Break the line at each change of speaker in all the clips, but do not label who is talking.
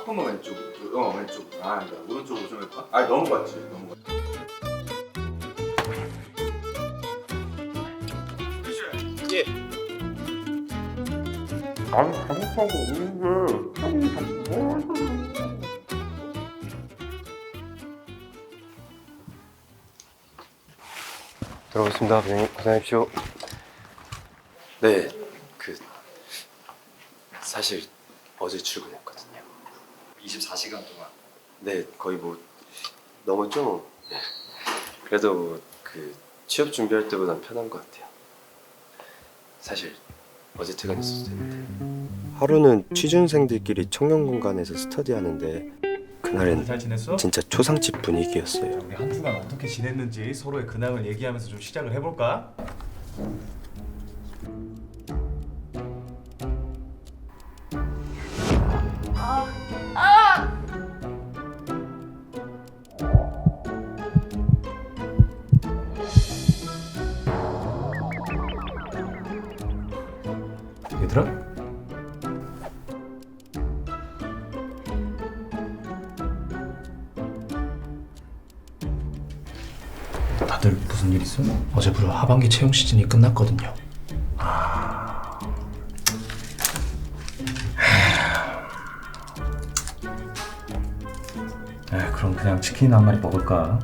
조금만 왼쪽. 왼쪽. 아, 아니다. 오른쪽으로 좀 해볼까? 아, 넘어갔지. 예.
아니 잘못한 거 없는데 형이 자꾸 뭐 하는
들어오겠습니다. 고생하십시오. 네, 사실 어제 출근했거든요.
24시간 동안.
네, 거의 뭐 넘었죠. 네. 그래도 취업 준비할 때보단 편한 것 같아요. 사실 어제 퇴근했어도 되는데. 하루는 취준생들끼리 청년 공간에서 스터디하는데 그날은
잘 지냈어?
진짜 초상집 분위기였어요.
우리 한 주간 어떻게 지냈는지 서로의 근황을 얘기하면서 좀 시작을 해볼까? 얘들아? 다들 무슨 일 있어? 어제부로 하반기 채용 시즌이 끝났거든요. 그럼 그냥 치킨 한 마리 먹을까?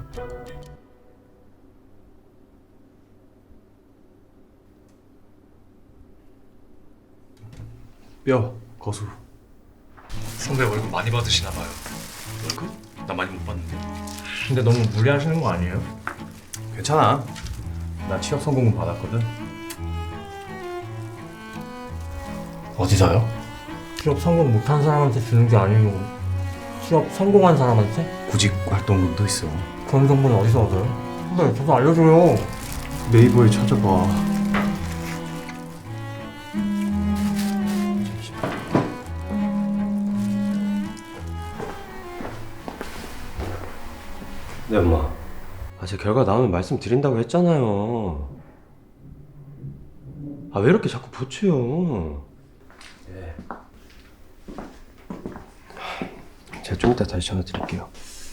뼈, 거수.
선배 월급 많이 받으시나 봐요. 월급? 나 많이 못 받는데.
근데 너무 무리하시는 거 아니에요? 괜찮아. 나 취업 성공금 받았거든. 어디서요?
취업 성공 못한 사람한테 주는 게 아니고 취업 성공한 사람한테?
구직 활동금도 있어.
그런 정보는 어디서 얻어요? 선배 저도 알려줘요.
네이버에 찾아봐.
네, 엄마. 제 결과 나오면 말씀드린다고 했잖아요. 왜 이렇게 자꾸 보채요? 네. 제가 좀 이따 다시 전화 드릴게요.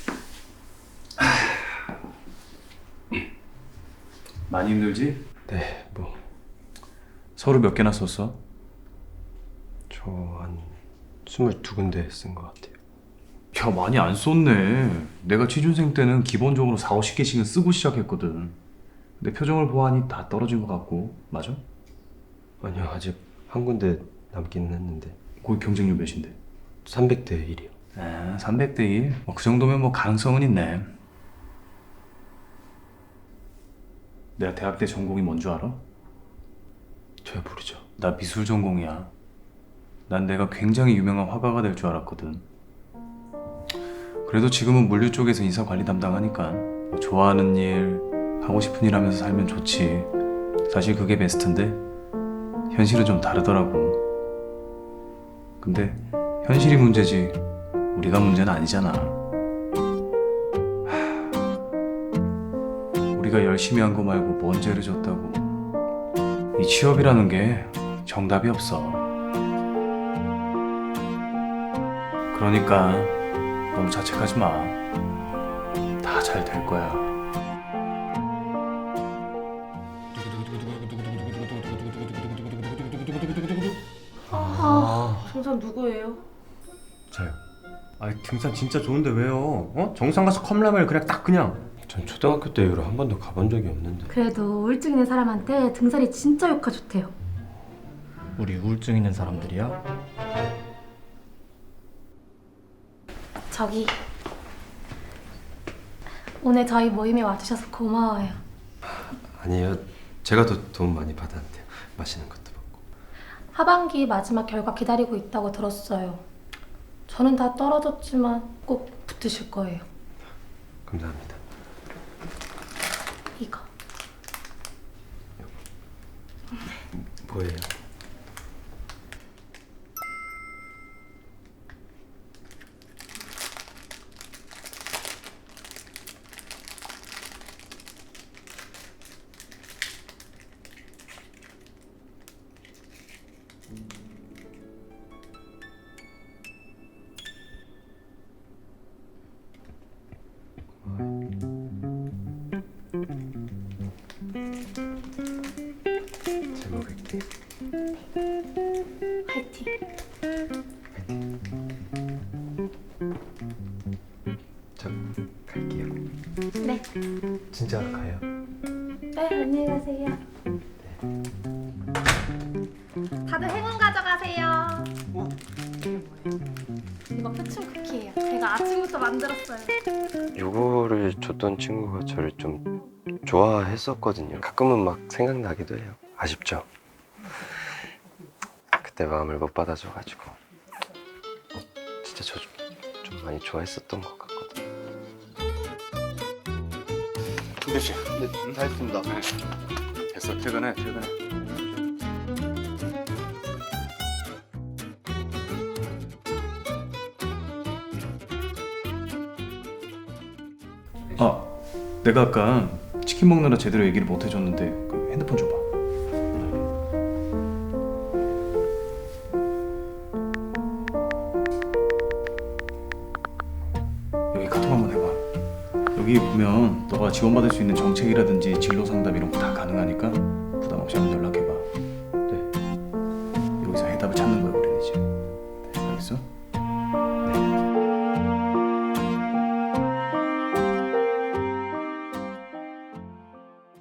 많이 힘들지?
네,
서류 몇 개나 썼어?
저 한 22군데 쓴 것 같아요.
야, 많이 안 썼네. 내가 취준생 때는 기본적으로 4, 50개씩은 쓰고 시작했거든. 내 표정을 보아하니 다 떨어진 것 같고. 맞아?
아니요, 아직 한 군데 남기는 했는데.
거기 경쟁률 몇인데?
300대 1이요.
300대 1? 그 정도면 가능성은 있네. 내가 대학 때 전공이 뭔 줄 알아?
저야 모르죠.
나 미술 전공이야. 난 내가 굉장히 유명한 화가가 될 줄 알았거든. 그래도 지금은 물류 쪽에서 인사 관리 담당하니까 좋아하는 일, 하고 싶은 일 하면서 살면 좋지. 사실 그게 베스트인데 현실은 좀 다르더라고. 근데 현실이 문제지 우리가 문제는 아니잖아. 우리가 열심히 한 거 말고 뭔 죄를 졌다고. 이 취업이라는 게 정답이 없어. 그러니까 너무 자책하지 마. 다 잘 될 거야.
정선 누구예요?
저요. 등산 진짜 좋은데 왜요? 정상 가서 컵라면을 그냥
전 초등학교 때 이후로 한 번도 가본 적이 없는데.
그래도 우울증 있는 사람한테 등산이 진짜 효과 좋대요.
우리 우울증 있는 사람들이야?
저기 오늘 저희 모임에 와주셔서 고마워요.
아니에요. 제가 더 도움 많이 받았는데요. 맛있는 것도 먹고.
하반기 마지막 결과 기다리고 있다고 들었어요. 저는 다 떨어졌지만 꼭 붙으실 거예요.
감사합니다.
이거.
뭐예요? 진짜 가요.
네, 안녕히 가세요. 다들 행운 가져가세요. 이거 표충 쿠키예요. 제가 아침부터 만들었어요.
요거를 줬던 친구가 저를 좀 좋아했었거든요. 가끔은 막 생각나기도 해요. 아쉽죠? 그때 마음을 못 받아줘가지고 진짜 저 좀 많이 좋아했었던 것 같거든요.
김대 씨. 네, 다 했습니다. 됐어. 퇴근해.
아, 내가 아까 치킨 먹느라 제대로 얘기를 못 해줬는데 그 핸드폰 줘봐. 여기 카톡 한번 해봐. 여기 보면 너가 지원받을 수 있는 정책이라든지 진로 상담 이런 거 다 가능하니까 부담 없이 한번 연락해.